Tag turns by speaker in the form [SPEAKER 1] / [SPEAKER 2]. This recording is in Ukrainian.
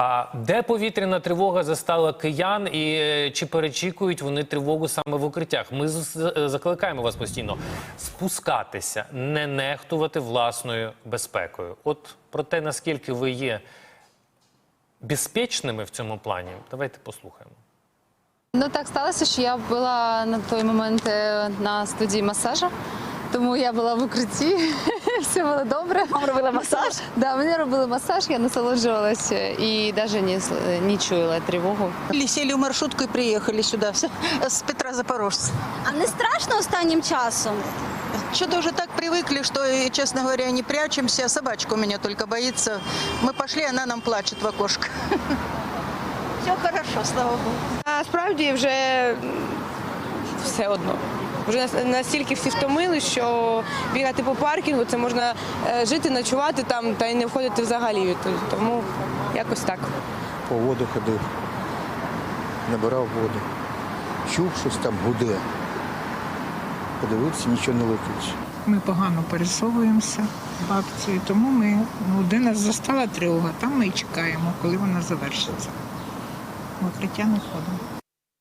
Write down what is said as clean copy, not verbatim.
[SPEAKER 1] А де повітряна тривога застала киян і чи перечікують вони тривогу саме в укриттях? Ми закликаємо вас постійно спускатися, не нехтувати власною безпекою. От про те, наскільки ви є безпечними в цьому плані, давайте послухаємо.
[SPEAKER 2] Ну так сталося, що я була на той момент на студії масажу, тому я була в укритті, все було добре.
[SPEAKER 3] Вам робили масаж?
[SPEAKER 2] Да, мені робили масаж, я насолоджувалася і навіть не чула тривогу.
[SPEAKER 4] Сели в маршрутку и приехали сюда, с Петра Запорожца.
[SPEAKER 3] А не страшно останнім часом?
[SPEAKER 4] Что-то уже так привыкли, что, честно говоря, не прячемся. Собачка у меня только боится. Мы пошли, она нам плачет в окошко. Все хорошо, слава Богу.
[SPEAKER 5] Насправді вже все одно. Вже настільки всі втомили, що бігати по паркінгу, це можна жити, ночувати там та й не входити взагалі. Тому якось так.
[SPEAKER 6] По воду ходив, набирав воду. Чув, щось там гуде. Подивився, нічого не летить.
[SPEAKER 7] Ми погано пересовуємося бабцею, тому ми, де нас застала тривога, там ми і чекаємо, коли вона завершиться. В укриття не ходимо.